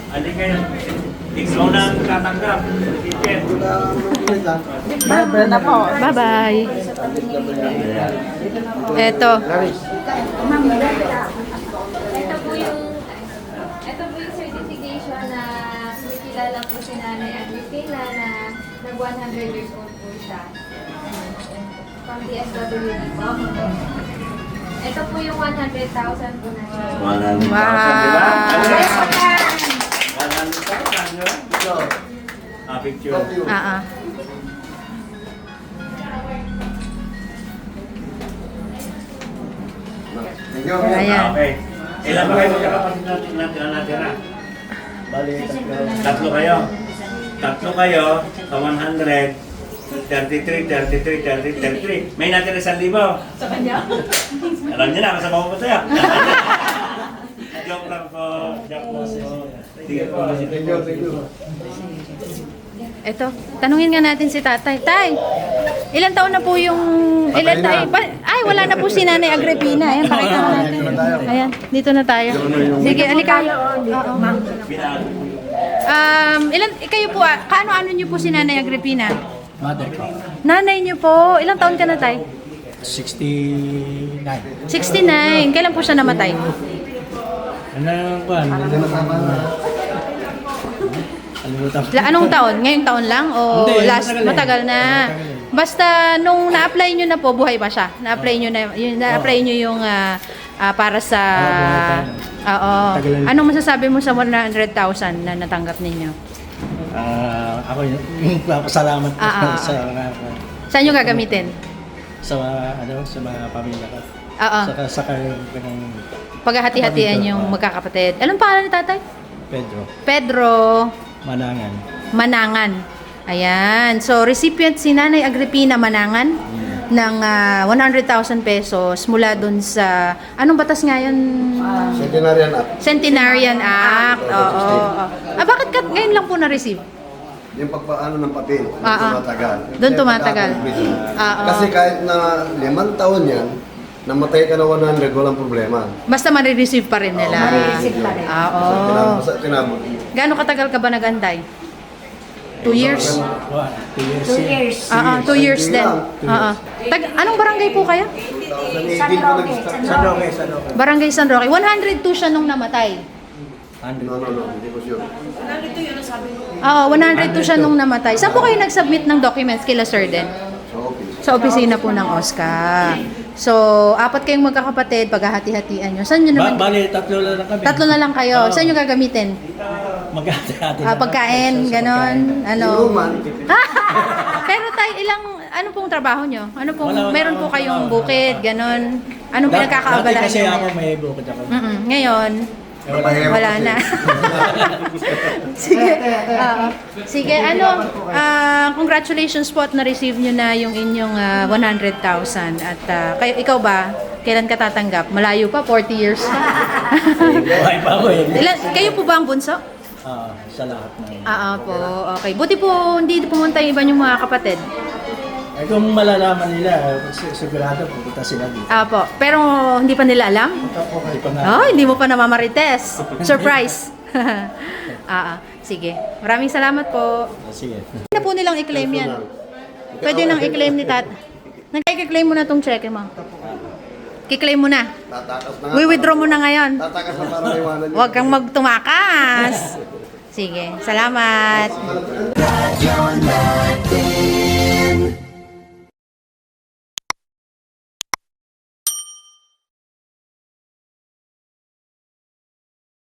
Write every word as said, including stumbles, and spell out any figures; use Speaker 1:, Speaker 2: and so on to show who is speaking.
Speaker 1: Hindi kayo. Ikaw na ang tatanggap. Ticket.
Speaker 2: Na po.
Speaker 3: Bye-bye. Eto.
Speaker 4: Ito po yung ito po yung certification na kumikilala po si Nanay Agripina na nag one hundred years old po siya. Pang D S W D po. Ito po yung one hundred thousand po na siya.
Speaker 1: one hundred thousand, di ba?
Speaker 3: Wow.
Speaker 1: one hundred thousand, di ba? Ito. Ah, picture.
Speaker 3: Ah, ah. Ayan.
Speaker 1: Okay. Ilan ba kayo magkakapatid natin natin na natira?
Speaker 5: Bali,
Speaker 1: Tatlo kayo. Tatlo kayo sa one hundred. thirty-three, thirty-three, thirty, thirty-three. May natira isang libo. Sa kanya? Alam niyo na, kasama ko pa tayo. Joke lang po. Joke lang po. Sige po.
Speaker 5: thank you, thank you.
Speaker 3: Eto, tanungin nga natin si tatay. Tay, ilan taon na po yung... Ilan tayo? Ay, wala na po si Nanay Agripina. Ayan, pakita mo natin. Ayan, dito na tayo. Sige, alika. Oo. Um, ilan, kayo po, ah, kaano-ano niyo po si Nanay Agripina?
Speaker 2: Mother ko.
Speaker 3: Nanay niyo po, ilang taon ka na, tay?
Speaker 2: sixty-nine.
Speaker 3: sixty-nine. Kailan po siya namatay?
Speaker 2: Ano ba? Alimutan ko.
Speaker 3: La, anong taon? Ngayong taon lang? O
Speaker 2: Hindi,
Speaker 3: last?
Speaker 2: matagal eh.
Speaker 3: Matagal na.
Speaker 2: Matagal eh.
Speaker 3: Basta nung na-apply nyo na po, buhay pa siya. Na-apply nyo na, yung, na-apply nyo yung ah, ah, para sa...
Speaker 2: Oo, buhay pa.
Speaker 3: Oo.
Speaker 2: Matagal na.
Speaker 3: Anong masasabi mo sa one hundred thousand na natanggap ninyo?
Speaker 2: Ah, ako yung yung papasalamat ko
Speaker 3: Ah, ah,
Speaker 2: sa
Speaker 3: Saan nyo gagamitin?
Speaker 2: sa ano sa mga pamilya ko.
Speaker 3: Oo.
Speaker 2: Saka saka yung kanang
Speaker 3: Paghahati-hatian yung magkakapatid. Anong pangalan ni tatay?
Speaker 2: Pedro
Speaker 3: Pedro
Speaker 2: Manangan.
Speaker 3: Manangan. Ayan. So, recipient si Nanay Agripina Manangan ng ah, one hundred thousand pesos mula dun sa... Anong batas nga yun?
Speaker 5: Centenarian Act.
Speaker 3: Centenarian Act. Oo. oo. Ah, bakit ka ngayon lang po na-receive?
Speaker 5: Yung pagpaano ng papel, doon
Speaker 3: Ah, ah.
Speaker 5: tumatagal.
Speaker 3: Doon tumatagal.
Speaker 5: Kaya
Speaker 3: Ah, ah.
Speaker 5: Kasi kahit na limang taon yan, namatay ka na one hundred, walang problema.
Speaker 3: Basta marireceive pa rin nila.
Speaker 4: Marireceive pa rin.
Speaker 3: Ah,
Speaker 5: Sa
Speaker 3: oo.
Speaker 5: tinam- sa tinam-
Speaker 3: Gaano katagal ka ba nag-antay? Two years?
Speaker 2: Wow, two years.
Speaker 4: Two
Speaker 2: yun.
Speaker 4: years.
Speaker 3: Ah, ah, two years din. Ah, ah. Tag, anong barangay po kaya?
Speaker 5: twenty eighteen
Speaker 4: San
Speaker 5: pa
Speaker 4: Roque.
Speaker 5: nag-start.
Speaker 2: San Roque, San Roque.
Speaker 3: Barangay San Roque. one hundred two siya nung namatay.
Speaker 2: Hundred.
Speaker 5: No, no, no, hindi ko sure.
Speaker 3: Oo, one hundred two siya nung namatay. Saan po kayo nag-submit ng documents kila Sir din?
Speaker 5: So, okay.
Speaker 3: Sa opisina po ng OSCA. So, apat kayong magkakapatid, paghahati-hatian nyo. Saan nyo
Speaker 2: Ba
Speaker 3: naman?
Speaker 2: bali, tatlo lang kami.
Speaker 3: Tatlo na lang kayo.
Speaker 2: Oo.
Speaker 3: Saan nyo gagamitin?
Speaker 2: Maghati-hati.
Speaker 3: Ah,
Speaker 2: lang.
Speaker 3: pagkain,
Speaker 2: Sa- sa
Speaker 3: ganon.
Speaker 2: pagkain.
Speaker 3: Ano?
Speaker 5: Inuman.
Speaker 3: Pero tayo, ilang, ano pong trabaho nyo? Ano pong,
Speaker 2: Wala, wala
Speaker 3: meron po
Speaker 2: akong
Speaker 3: kayong
Speaker 2: trabaho.
Speaker 3: bukid, ganon. Anong
Speaker 2: Dat-
Speaker 3: pinagkakaabalahan
Speaker 2: Dati kasi
Speaker 3: nyo
Speaker 2: ako
Speaker 3: ngayon?
Speaker 2: may bukid ako.
Speaker 3: Mm-mm. Ngayon,
Speaker 2: Eh, wala.
Speaker 5: Ewan
Speaker 3: wala
Speaker 5: kasi.
Speaker 3: na. Sige. Oo. Sige, ano, ah, congratulations po at na-receive nyo na yung inyong ah, one hundred thousand. At ah, kayo, ikaw ba, kailan ka tatanggap? Malayo pa, forty years.
Speaker 2: Buhay pa ako eh.
Speaker 3: Ilan, kayo po ba ang bunso?
Speaker 2: Ah, sa lahat ng...
Speaker 3: Ah, po. Okay. Buti po, hindi pumunta yung iba yung mga kapatid.
Speaker 2: Eh, kung malalaman nila, eh, si- sigurado pupunta sila dito.
Speaker 3: Ah, po. Pero hindi pa nila alam?
Speaker 2: Okay pa nga.
Speaker 3: Oh, hindi mo pa namamarites. Surprise. ah, ah. Sige. Maraming salamat po.
Speaker 2: Ah, sige.
Speaker 3: Pwede na po nilang i-claim yan. Pwede nang i-claim ni tat. Nag-i-claim mo na tong cheque mo. Ki-claim mo na.
Speaker 5: Tatakas na nga.
Speaker 3: We-withdraw mo na ngayon.
Speaker 5: Tatakas na para iwanan niyo.
Speaker 3: Huwag kang magtumakas. Sige. Salamat.